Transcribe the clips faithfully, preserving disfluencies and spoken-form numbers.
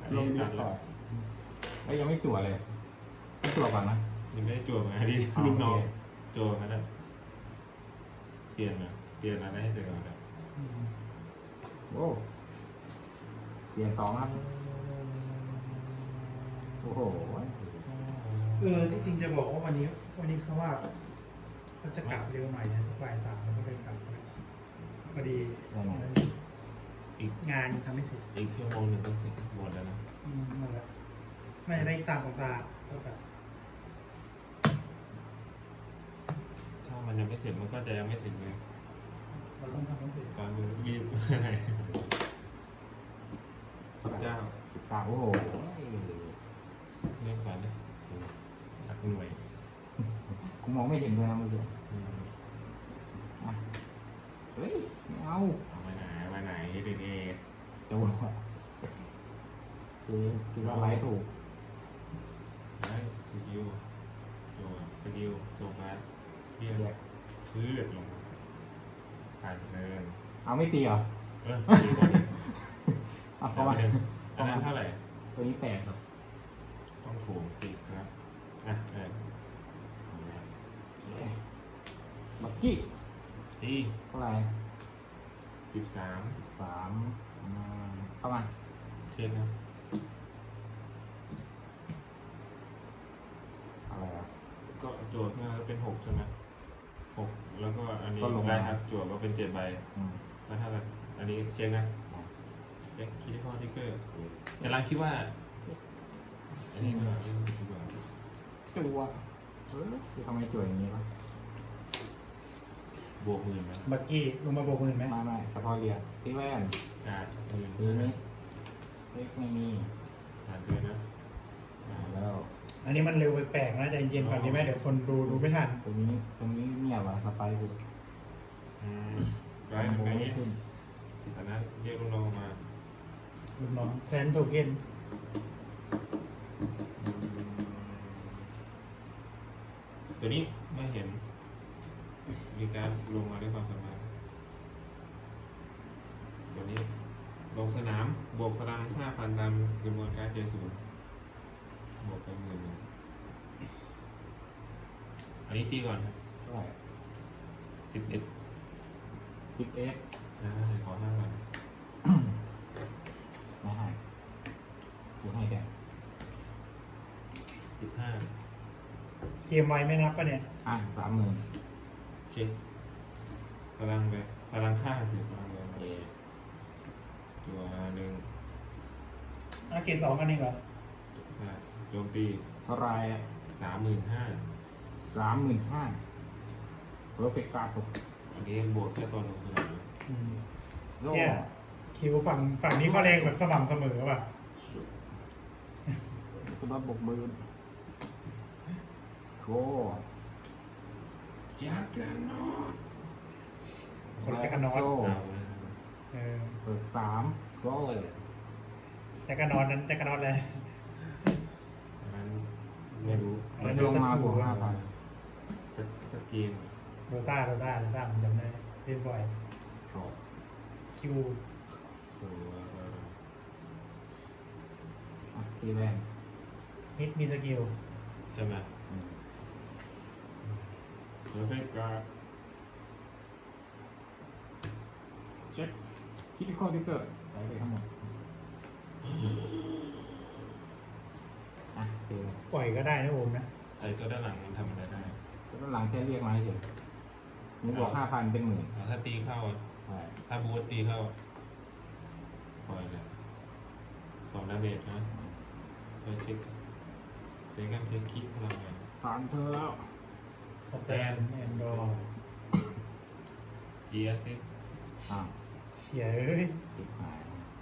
ลงดีสอร์ทไอ้ยังไม่จั่วเลยต้องจั่วก่อนนะยังไม่ได้จั่วมาดิลูกน้องจั่วมาแล้วเปลี่ยนนะเปลี่ยนอะไรให้เสร็จก่อนนะโอ้เปลี่ยนสองครับโอ้โหเออที่จริงจะบอกว่าวันนี้วันนี้เขาว่าเขาจะกลับเร็วหน่อยนะบ่ายสามแล้วก็เลยกลับพอดีได้ไงอีกงานทำไม่เสร็จอีกชั่วโมงหนึ่งก็เสร็จหมดแล้วนะอืมนั่นแหละไม่ได้ตามของตาก็แบบถ้ามันยังไม่เสร็จมันก็จะยังไม่เสร็จเลยเราต้องทำให้เสร็จตอนนี้รีบอะไรสิบเก้าสิบเก้าโอ้โหเรื่องก่อนนะหลักหน่วยกูมองไม่เห็นเลยนะเมื่อกี้อืมอ่ะเฮ้ยไม่เอาเอามาไหนมาไหนเด็กจั่วคือคิดว่าไลท์ถูกๆได้สกิลตัวสกิลโซฟาเรียเรียกกพืชลงมาผ่านเดินเอาไม่ตีเหรอเออตีก่อนดิเอาเข้ามาอันนั้นเท่าไหร่ตัวนี้แปดครับต้องถูกสิครับอ่ะเออบักกี้ตีเท่าไหร่สิบสามสามอืมเข้ามาเช็คครับอะไรอ่ะก็โจทย์มาเป็นหกใช่ไหมหกแล้วก็อันนี้ก็ลงมาได้ครับโจทย์ก็เป็นเจ็ดใบอืมแล้วถ้าแบบอันนี้เช็คนะเช็คคิดข้อทิกเกอร์กำลังคิดว่าอันนี้ก็คิดว่าจั่วเออคือทำไมจั่วอย่างนี้วะบวกหมื่นนะบักกี้ลงมาโบกมือไหมไม่ไม่เฉพาะเรียนที่แว่นอ่าหมื่นทีนี้เล็กไม่มีผ่านเดือนนะอ่าแล้วอันนี้มันเร็วไปแปลกนะใจเย็นก่อนดีไหมเดี๋ยวคนดูดูไม่ทันตรงนี้ตรงนี้เนี่ยวะสไปร์กูอืมได้โมไหมไม่ขึ้นแต่นั้นเรียกลูกน้องมาลูกน้องแทนโทเค็นตัวนี้ไม่เห็น มีการลงมาด้วยความสามารถตัวนี้ลงสนามบวกพลังห้าพันตามจำนวนการ์ดเจศูนย์บวกไปหมื่นหนึ่งอันนี้ตีก่อนครับเท่าไหร่สิบเอ็ดสิบเอ็ดใช่ขอห้าพันไม่ให้กูให้แกสิบห้าเกมไวไม่นับปะเนี่ยอ่ะสามหมื่นเช็คพลังไปพลังค่าสิพลังเลยเอตัวหนึ่งอ่ะเกรดสองกันเองเหรออ่ะโจมตีเท่าไหรสามหมื่นห้าสามหมื่นห้าเพอร์เฟกต์การ์ดตกอันนี้บวกแค่ตัวหนึ่งคืออะไรอืมโล่เชี่ยคิวฝั่งฝั่งนี้เขาแรงแบบสม่ำเสมอป่ะตัวบับบกมือโชว์จักรนอตคนแจ็คกันนอนโซ่เอานะเออเปิดสามก็เลยแจ็คกันนอนนั้นแจ็คกันนอนเลยอันนั้นไม่รู้มันลงมาบวกห้าพันสกสเกมโดต้าโดต้าโดต้าผมจำได้เล่นบ่อยชอบคิวสวยอ่ะตีแว่นฮิตมีสกิลใช่ไหมอืมเพอร์เฟกต์การ์ดเช็คคิดข้อที่เกิดใช้ไปทั้งหมดอ่ะตีแว่นปล่อยก็ได้นะโอมนะไอ้ตัวด้านหลังมันทำอะไรได้แล้วหลังแค่เรียกมาเฉยนี่บวกห้าพันเป็นหมื่นอ่ะถ้าตีเข้าอ่ะใช่ถ้าบูทตีเข้าปล่อยเลยสองดาเมจนะไปเช็คเช็คกันเช็คคิดพลังงานผ่านเธอแล้วสแตนแอนดรอจีเอสซิอ้าวเฉียเอ้ยสิบหาย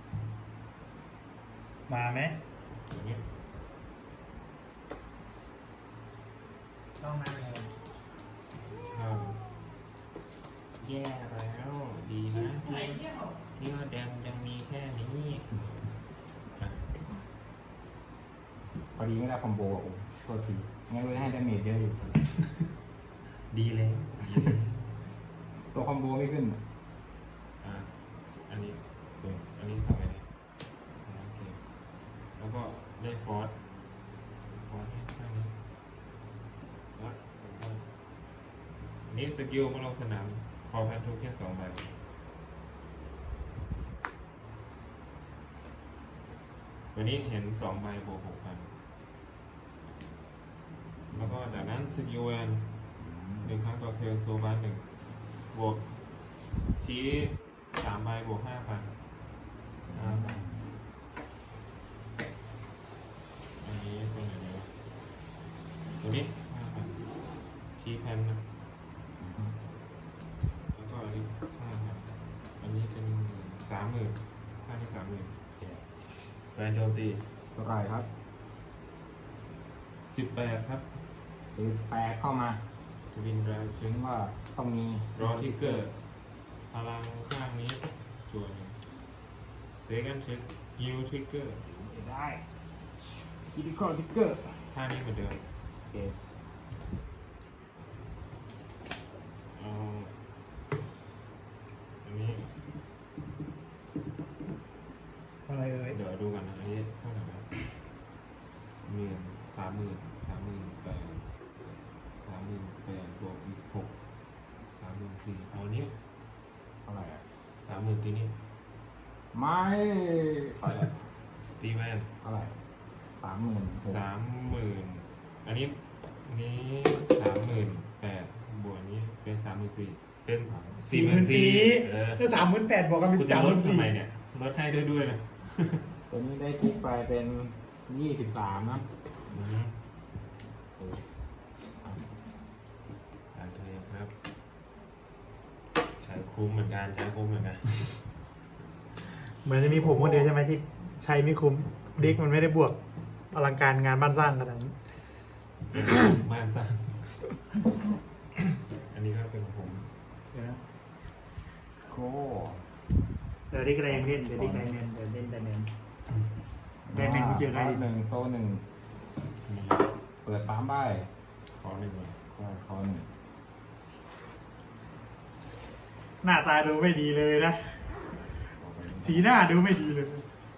มาไหมอย่างนี้ต้องมาเลยเข้าแย่แล้ว ดีนะที่ที่ว่าแดมยังมีแค่นี้อ่ะพอดีไม่ได้คอมโบอ่ะโอ้โทษทีงั้นเลยให้ดาเมจเยอะอยู่ดีแล้วดีแล้วตัวคอมโบไม่ขึ้นอ่ะอันนี้โอเคอันนี้ทำไงดีโอเคก็ได้ฟอร์สฟอร์สให้ข้างนี้แล้วก็อันนี้สกิลมาลงสนามคอแพนโทเค็นสองใบวันนี้เห็นสองใบบวกหกพันแล้วก็จากนั้นสกิลแวนหนึ่งครั้งต่อเทิร์นโซบาร์หนึ่งบวกชี้สามใบบวกห้าพันห้าพันอันนี้ตัวไหนดีวะตัวนี้ห้าพันชี้แพนนะแล้วก็อันนี้ห้าพันอันนี้เป็นสามหมื่นค่าที่สามหมื่นแวนโจมตีเท่าไหร่ครับสิบแปดครับคือแปดเข้ามาทวินดราถึฟิงงว่าต้องมีรอทิกเกอร์ พลังข้างนี้จวนเซกันเช็คฮิวทริกเกอร์ได้คิดข้อทิกเกอร์ท่านี้เหมือนเดิมโอเคเอาอันนี้อะไรเอ่ยเดี๋ยวดูกันนะอันนี้เท่าไหร่นะหมื่นสามหมื่นสามหมื่นแปดสามหมื่นแปดบวกอีกหกสามหมื่นสี่เอาอันนี้เท่าไหร่อะสามหมื่นตีนี้ไม่เท่าไหร่ตีแวนเท่าไหร่สามหมื่นหกสามหมื่นอันนี้อันนี้สามหมื่นแปดบวกอันนี้เป็นสามหมื่นสี่เป็นสี่หมื่นสี่เออถ้าสามหมื่นแปดบอกกันเป็นคุณจะสามหลมื่ดนสี่ทำไมเนี่ยลดให้ด้วยด้วยนะตัวนี้ได้ทิกไปเป็นยี่สิบสามนะอืมเอออ่ะการเทรดครับ ใช้คุ้มเหมือนกันใช้คุ้มเหมือนกันเหมือนจะมีผมคนเดียวใช่ไหมที่ใช้ไม่คุ้มเด็กมันไม่ได้บวกอลังการงานบ้านสร้างขนาดนั้นบ้านสร้าง อันนี้ก็เป็นของผมเดี๋ยวนะโก้เดี๋ยวดิกอะไรยังเล่นเดี๋ยวดิกไดแมนเดี๋ยวเล่นไดแมน ได้แมนกูเจอใครดิหนึ่งโซ่หนึ่งมีเปิดสามใบขอหนึ่งก่อนก็คอหนึ่งหน้าตาดูไม่ดีเลยนะเอาไปสีหน้าดูไม่ดีเลยเห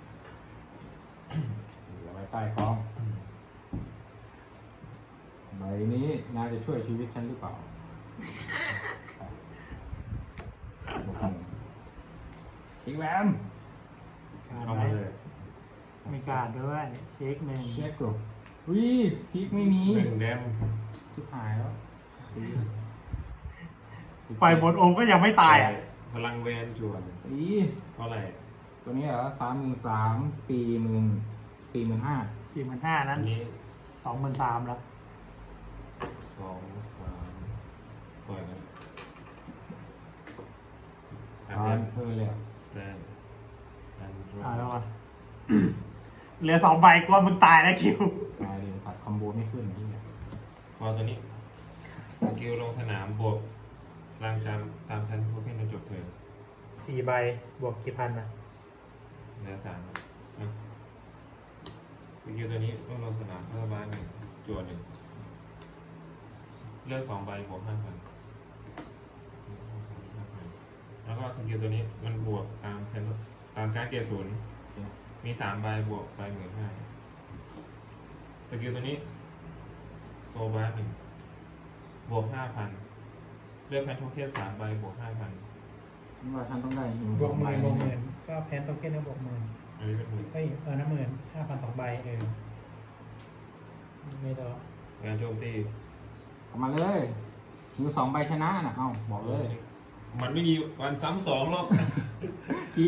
ลือไว้ใต้คล้องอืมใบนี้นายจะช่วยชีวิตฉันหรือเปล่าบวกหนึ่งอีกแวมเข้ามาเลยมีการด้วย เช็คหนึ่งเช็คดูวิทิกไม่มีหนึ่งแดมทิกหายแล้วปล่อยบนองค์ก็ยังไม่ตายอ่ะพลังแวนจวนตีเท่าไหร่ตัวนี้เหรอสามหมื่นสามสี่หมื่นสี่หมื่นห้าสี่หมื่นห้าอันั้นนนี้สองหมื่นสามแล้วสองสามปล่อยนะอันตานี้มเธอเลยอะสแตนอันดรอ่าแล้วอ่ะ เหลือสองใบกว่ามึงตายแล้วคิวตายเลยสัตว์คอมโบไม่ขึ้นที่เนี่ยพอตัวนี้สกิลลงสนามบวกรางจำตามชั้นโทเค็นจนจบเทิร์นสี่ใบบวกกี่พันอ่ะเหลือสามนะอ่ะสกิลตัวนี้ต้องลงสนามเพื่อบ้านหนึ่งจวนหนึ่งเลือกสองใบบวกห้าพันแล้วก็สกิลตัวนี้มันบวกตามเพนตามการเกียร์ศูนย์มีสามใบบวกไปหมื่นห้าสกิลตัวนี้โซบาร์หนึ่งบวกห้าพันเลือกแพนโทเค็นสามใบบวกห้าพันนี่ว่าฉันต้องได้หิวบวกหมื่นบวกหมื่นนก็แพนโตเค็นก็บวกหมื่นอันนี้เป็นหมื่นเฮ้ยเออน้ำหมื่นห้าพันสองใบเออไม่ต้องงานโจมตีเข้ามาเลยหิวสองใบชนะน่ะเอ้าบอกเลยมันไม่มีวันซ้ำสองหรอกขี้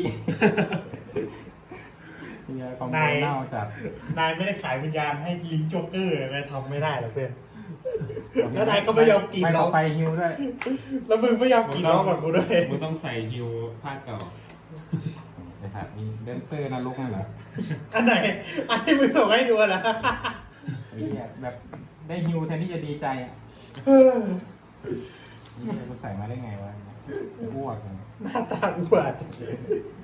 เฮียคอมโบเน่าจัดนายไม่ได้ขายวิญญาณให้ลิงโจ๊กเกอร์นายทำไม่ได้หรอกเพื่อน แล้วนายก็ไม่ยอมกินไม่หรต้ออก งไปฮิวด้วยแล้วมึงไม่ยอมกินล้อก่อนกูด้วยมึงต้องใส่ฮิวภาคเก่าไอ้สัตว์นี่แดนเซอร์นรกนั่นเหรออันไหน อันที่มึงส่งให้ดูเหรอไอ้เหี้ยแบบได้ฮิวแทนที่จะดีใจอ่ะเออนี่กูใส่มาได้ไงวะอ้วกเลยหน้าตาอุบาท